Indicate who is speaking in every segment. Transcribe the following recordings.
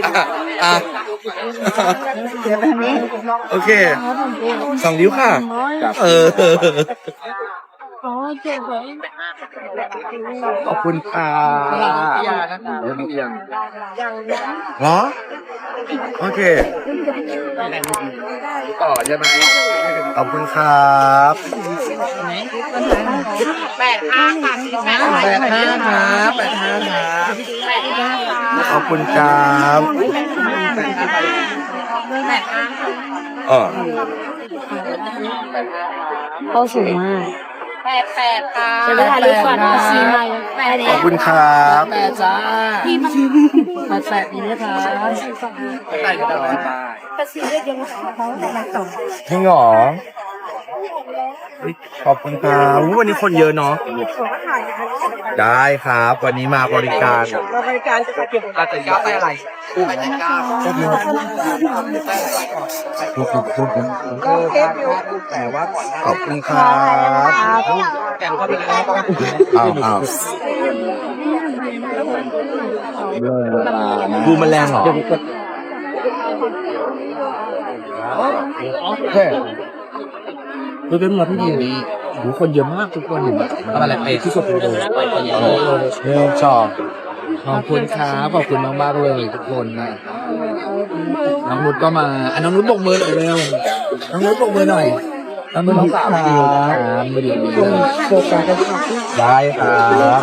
Speaker 1: อ่ะโอเค2 นิ้วค่ะขอบคุณค่ะเหรอโอเคต่อใช่ไหมขอบคุณครับ85ครับขอบคุณครับ
Speaker 2: เขาสูงมาก
Speaker 3: 88ค่ะ
Speaker 2: จะไปถ่ายรูปก่อนซีมา
Speaker 1: ขอบคุณครับ
Speaker 3: 8จ้า88นี้นะคะ
Speaker 1: ให้หรอขอบคุณครับวันนี้คนเยอะเนาะได้ครับวันนี้มาบริการอาจจะยอดได้อะไรแต่ว่าขอบคุณครับดูมันแรงเหรอคือเป็นมาที่ดีดูคนเยอะมากทุกคนอะไรไปที่สุดเลยชอบขอบคุณครับขอบคุณมากๆเลยทุกคนนะน้องนุชก็มาน้องนุชบกมือหน่อยเร็วน้องนุชบกมือหน่อยน้องนุชน้องสาวครับไม่ดีโฟกัสได้ครับ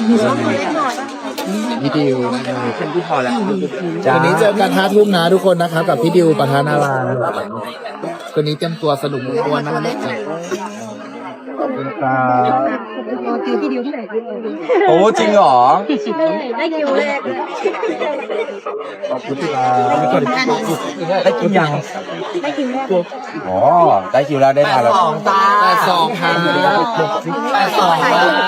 Speaker 1: พี่ดิวเป็นที่พอแล้ววันนี้เจอกัน5 ทุ่มนะทุกคนนะครับกับพี่ดิวประธานาราวันนี้เตรียมตัวสนุกมากๆนะครับขอบคุณครับโอ้จริงเหรอ
Speaker 2: ได้คิวแรก
Speaker 1: ขอบคุณครับได้คิวยังได้คิวแรกอ๋อได้คิวแล้วได้มาแล้ว
Speaker 3: 82ค่ะ82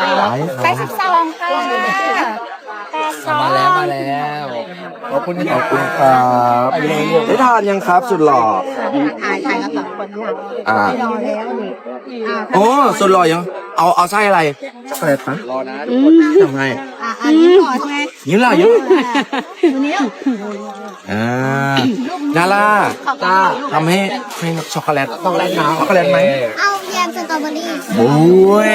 Speaker 2: ค่ะ
Speaker 3: มาแล้ว
Speaker 1: ขอบคุณครับได้ทานยังครับสุดหล่อ
Speaker 2: ถ่ายกัน2 คน
Speaker 1: อ่าร
Speaker 2: อแล้วนี่
Speaker 1: โอ้สุดหล่อยังเอาไส้อะไรช็อกโกแลตนะรอนะทำไง
Speaker 2: อันนี้ก่อนไง
Speaker 1: ยิ้มหล่อยิ้ม
Speaker 2: นี้
Speaker 1: นาล่าทำให้ช็อกโกแลตช็อกโกแลตไหม
Speaker 2: เอาแยมสตรอเบอรี่
Speaker 1: โอ้ย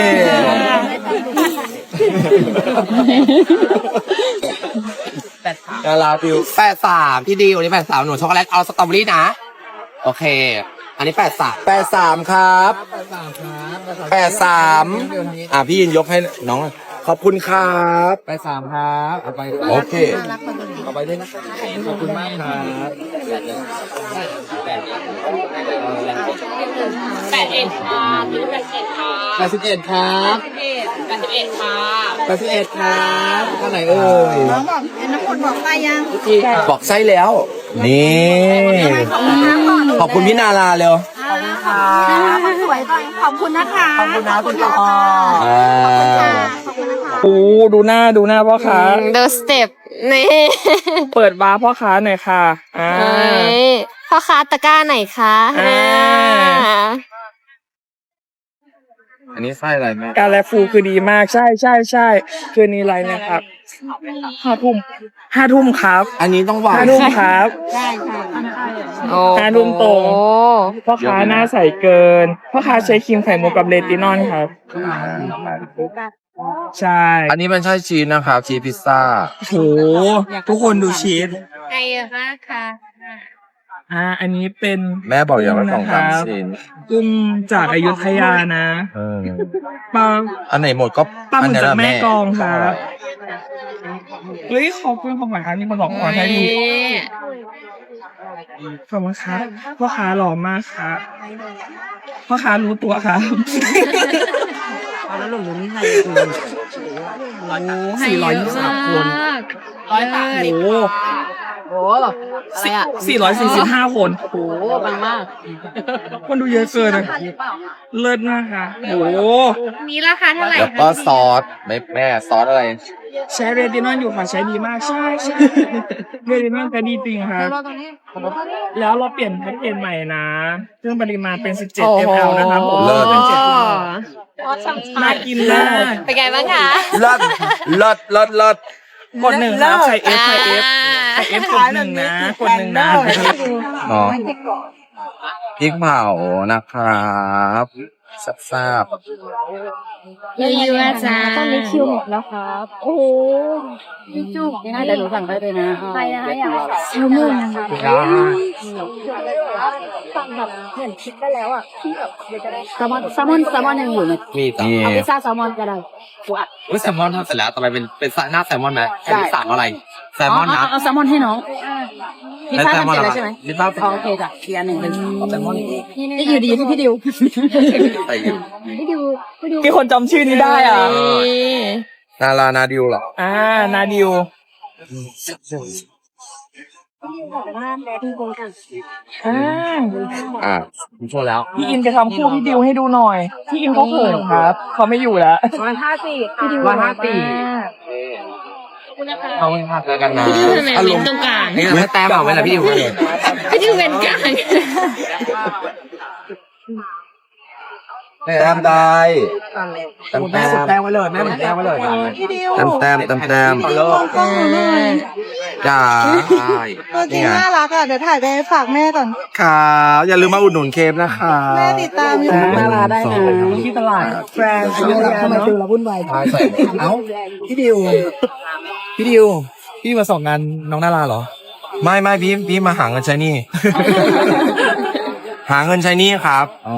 Speaker 1: นาล่าฟิว83พี่ดีวันนี้83หนูช็อกโกแลตเอาสตรอเบอรี่นะโอเคอันนี้83ครับ83พี่ยินยกให้น้องขอบคุณครับ
Speaker 3: 83ครับเอาไป
Speaker 1: โอเค
Speaker 3: เอาไปด้วยนะขอบคุณมากครับ
Speaker 2: 81ค่ะ
Speaker 3: 81ครับ
Speaker 2: 81ค่ะ
Speaker 3: 81ครับท่านไหนเอ่ย
Speaker 2: น้องบอกน้องคนบอกไปยัง
Speaker 1: บอกไส้แล้วนี่ขอบคุณพี่นาราเร็ว
Speaker 2: ขอบคุณค่ะคนสวยก่อนขอบคุณนะคะ
Speaker 3: ขอบคุณนะคุณพ่อ
Speaker 4: โอ้ดูหน้าพ่อค้า
Speaker 2: The Step นี่
Speaker 4: เปิดบาร์พ่อค้าหน่อยค่ะ
Speaker 2: พ่อค้าตะกร้าไหนคะ
Speaker 1: อันนี้ไส้อะไรแม่
Speaker 4: การแลฟูคือดีมากใช่คืนนี้ไรนะครับ5 ทุ่มครับ
Speaker 1: อันนี้ต้องหวาน
Speaker 4: 5 ทุ่มครับ
Speaker 2: ใช่ค่ะ
Speaker 4: 5 ทุ่มตรงพ่อค้าหน้าใสเกินพ่อค้าใช้ครีมไข่มุกกับเลตินอลครับใช่
Speaker 1: อันนี้มันใช่ชีสนะครับชีสพิซซ่า
Speaker 4: โหทุกคนดูชีส
Speaker 2: ไงคะค่ะ
Speaker 4: อันนี้เป็น
Speaker 1: แม่บอกอย่างละ2-3 ชิ้น
Speaker 4: กุ้งจากอยุธยานะปลา
Speaker 1: อันไหนหมดก็
Speaker 4: ปลาหมึกจากแม่กองครับเฮ้ยขอบคุณของหวานนี่มาบอกขอให้ดูขอบคุณครับพ่อค้าหล่อมากครับพ่อค้ารู้ตัวครับ
Speaker 3: แล้วหลงนี่ใคร
Speaker 4: 423 คน
Speaker 3: โอ้อะไรอ่ะ
Speaker 4: 445 คน
Speaker 3: โอ้บางมาก
Speaker 4: คนดูเยอะเกินเลยเลิศมากค่ะโอ้
Speaker 2: มีราคาเท่าไหร่
Speaker 1: แล้วก็ซอสแม่ซอสอะไร
Speaker 4: ใช้เรตินอลอยู่ค่ะใช้ดีมากใช่เรตินอลใช้ดีจริงครับแล้วเราเปลี่ยนแพ็กเกจใหม่นะเครื่องปริมาณเป็น17 ml นะครับผม
Speaker 1: เลิศ
Speaker 4: เป็น7น่ากินมาก
Speaker 2: เป็นไงบ้างคะ
Speaker 1: เลิศ
Speaker 4: กดหนึ่งครับใครเอฟใครเอฟใครเอฟกดหนึ่งนะกดหนึ่งนะ
Speaker 1: อ๋อพริกเผานะครับทราบ
Speaker 2: ยูอาจารย์
Speaker 5: ตอนนี้คิวหมดแล้วครับ โอ้โหจุกยังไงแต่หนูสั่งได้เลยนะใครนะคะอยากแซลมอนนะคะสั่งแบบเหมือนคิดได้แล้วอ่ะที่แบบเดี๋ยวจะได้แซลมอนยังอยู่ไหม
Speaker 1: มีต่อ
Speaker 5: เอาพิซซ่าแซลมอนก็ได้
Speaker 1: อุ้ยแซลมอนทำเสร็จแล้วต่อไปเป็นหน้าแซลมอนไหมอันนี้สั่งอะไรแซลมอนนะ
Speaker 5: เอาแซลมอนให้น้องพิซซ่าทำเสร็จแล้วใช่ไหม
Speaker 1: พิซซ่า
Speaker 5: โอเคจ้ะเทียร์หนึ่งเป็นแซลมอน
Speaker 1: นี่
Speaker 5: นี่อยู่ดีที่พี่ดิว
Speaker 1: ใส่อยู่
Speaker 4: มีคนจำชื่อนี้ได้อ่ะ
Speaker 1: นารานาดิวเหรอ
Speaker 4: นาดิว
Speaker 1: ผมโชว์แล้ว
Speaker 4: พี่อินจะทำคู่พี่ดิวให้ดูหน่อย พี่อินเขาเขินครับเขาไม่อยู่แล้ว
Speaker 1: เอาไว้พาเจอกันนะ
Speaker 2: พี่ดิวทำไมเว้นตรงกลาง
Speaker 1: นี่ไม่แต้มเอาไว้ละพี่ดิว
Speaker 2: พี่ดิวเว้นกลาง
Speaker 1: แต้มได้แต้ม
Speaker 3: แม่สุดแต้มไว้เลยแม่เหมือนแต้มไว้เลย
Speaker 1: แต้มจ้า
Speaker 6: ตัวจริงน่ารักอ่ะ เดี๋ยวถ่ายไปฝากแม่ก่อน
Speaker 1: ครับอย่าลืมมาอุดหนุนเคฟนะคะ
Speaker 6: แม่ติดตามอยู่
Speaker 5: น่ารักได้นะ
Speaker 4: ที่ตลาดแฟรนด์
Speaker 5: ทำไมฟิลเราวุ่นวาย
Speaker 1: ใส่
Speaker 3: เอ้าพี่ดิวพี่มาส่งงานน้องนาราเหรอ
Speaker 1: ไม่พี่มาหาเงินใช้หนี่ หาเงินใช้หนี่ครับ
Speaker 3: อ๋อ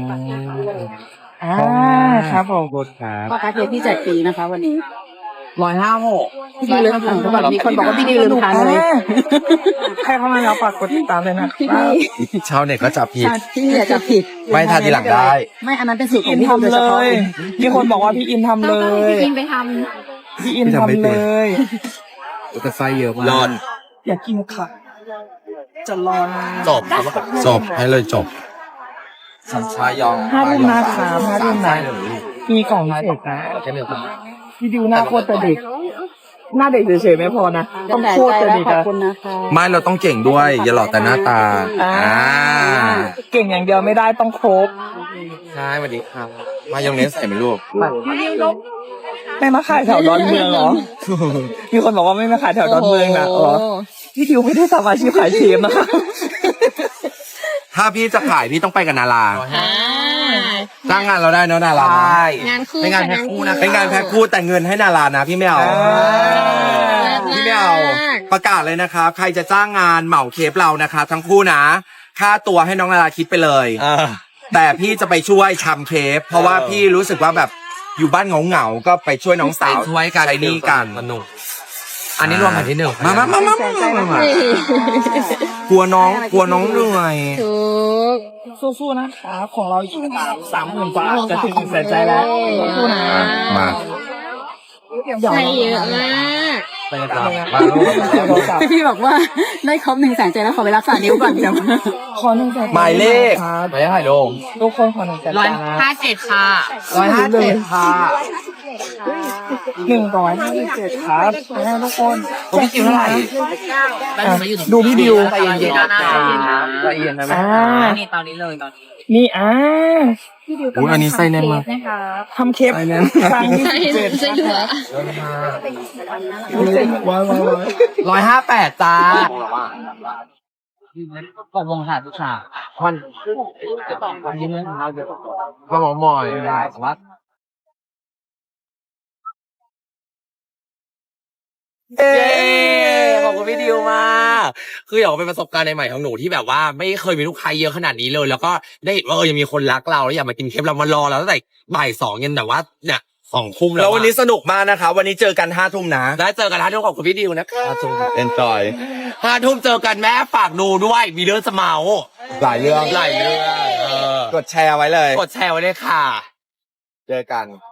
Speaker 4: ครับผม
Speaker 3: กดครับ
Speaker 5: พ่อค้าเค้กพี่แจกฟรีนะคะวันนี้
Speaker 3: 156
Speaker 5: พี่ดิวลืมทานก็แบบมีคนบอกว่าพี่ดิวลืมทานเลย
Speaker 4: ใครเข้ามาแล้วฝากกดติดตามเลยนะ
Speaker 1: ชาวเน็ตก็จับผิด
Speaker 5: พี่อย่าจับผิด
Speaker 1: ไม่ทานทีหลังได้
Speaker 5: ไม่อันนั้นเป็นสูตรข
Speaker 4: พี่
Speaker 5: อ
Speaker 4: อิ
Speaker 5: ง
Speaker 4: น
Speaker 5: พี่ดิวโดย
Speaker 4: ทำ
Speaker 5: เฉ
Speaker 4: เล
Speaker 5: พาะ
Speaker 4: ย มีคนบอกว่าพี่อินทำเลย
Speaker 2: พี่อินไปท
Speaker 4: พี่อินทำเลย
Speaker 3: แต่ไฟเยอะมาก
Speaker 1: รอด
Speaker 4: อยากกินค่ะ จะรอนะ
Speaker 1: จบให้เลยจบสัญชายอง
Speaker 4: 5 ทุ่มนะครับ5 ทุ่มนะมีกล่องเสร็จนะ
Speaker 1: แค่เดียวกัน
Speaker 4: พี่ดิวหน้าโคตรจะเด็ก หน้าเด็กเฉยๆไม่พอนะ
Speaker 5: จะ
Speaker 4: ต้อง
Speaker 5: แตก
Speaker 4: โคตร
Speaker 5: ใจ
Speaker 4: จะ
Speaker 5: แล้ว
Speaker 4: เด็ก
Speaker 5: ขอบ
Speaker 4: อะ
Speaker 5: คุณนะคะ
Speaker 1: ไม่เราต้องเก่งด้วย อย่าหลอกแต่หน้าตา
Speaker 4: เก่งอย่างเดียวไม่ได้ต้องครบ
Speaker 1: ใช่สวัสดีครับมายองเนสใส่ไหมลูก
Speaker 4: ไม่มาขายแถวดอนเมืองเหรอ มีคนบอกว่าไม่มาขายแถวดอนเมืองนะอ๋อพี่ดิวไม่ได้ทำอาชีพขายเชฟนะคะ
Speaker 1: ถ้าพี่จะขายพี่ต้องไปกับนารา
Speaker 2: ำ
Speaker 1: จ้างงานเราได้เนอะนารา
Speaker 2: งานคู่
Speaker 1: เป็นงานแพ็คคู่นะเป็นงานแพ็คคู่แต่เงินให้นารานะพี่ไม่เอา พี่ไม่เอาประกาศเลยนะครับใครจะจ้างงานเหมาเคปเรานะครับทั้งคู่นะค่าตัวให้น้องนาราคิดไปเลยแต่พี่จะไปช่วยทำเคปเพราะว่าพี่รู้สึกว่าแบบอยู่บ้านเหงาๆก็ไปช่วยน้องสาวช่วยกันใช้หนี้กันสนุกอันนี้รวมแผ่นที่หนึ่งมากลัวน้องเหนื่อย
Speaker 2: ถูก
Speaker 4: สู้ๆนะคะของเราอีก30,000 กว่าจะถึง100,000ใจแล้วสู้ๆนะ
Speaker 1: มา
Speaker 2: ใช่เยอะมาก
Speaker 1: ไปกันต่อมาลูก
Speaker 5: พี่บอกว่าได้ครบ100,000ใจแล้วขอไปรักษานิ้วก่อนเดี๋ยว
Speaker 4: ขอ100,000
Speaker 1: หมายเลข
Speaker 4: ครับ
Speaker 1: หมายเลขอะไรลง
Speaker 4: ทุกคนขอ100,000นะ
Speaker 2: 157ค่ะ
Speaker 3: 157ค่ะ
Speaker 4: 157ครับนะทุกคน
Speaker 3: พี่ดิวเท่าไหร่
Speaker 4: ดูพี่ดิว
Speaker 3: ใจเย็นๆใจเย็นนะแม่
Speaker 4: นี่ตอนนี้เลยนี่
Speaker 1: อุ้ยอันนี้ไส้แน่นมาก
Speaker 4: ทำเคปครั้งที่
Speaker 2: ใช่
Speaker 4: 17
Speaker 2: ใช่เหรอ
Speaker 3: 158จ้าก่อนวงขาดทุกฉากวันนี้เรื่องเราเดี๋ยว
Speaker 1: ก็หมอหมอย
Speaker 3: ได้สวัสดี
Speaker 1: เย้ขอบคุณพี่ดิวมากคืออยากเป็นประสบการณ์ใหม่ๆของหนูที่แบบว่าไม่เคยมีลูกค้าเยอะขนาดนี้เลย แล้วก็ได้เห็นว่ายังมีคนรักเราแล้วอยากมากินเคปเรามารอเราตั้งแต่บ่าย 2ยันแต่ว่าเนี่ย2 ทุ่มแล้ววันนี้สนุกมากนะคะวันนี้เจอกัน5 ทุ่มนะได้เจอกัน5 ทุ่มขอบคุณพี่ดิวนะคะ5 ทุ่ม enjoy 5 ทุ่มเจอกันแม่ฝากดูด้วยมีเรื่องจะเมาหลายเรื่องกดแชร์ไว้เลยกดแชร์ไว้เลยค่ะเจอกัน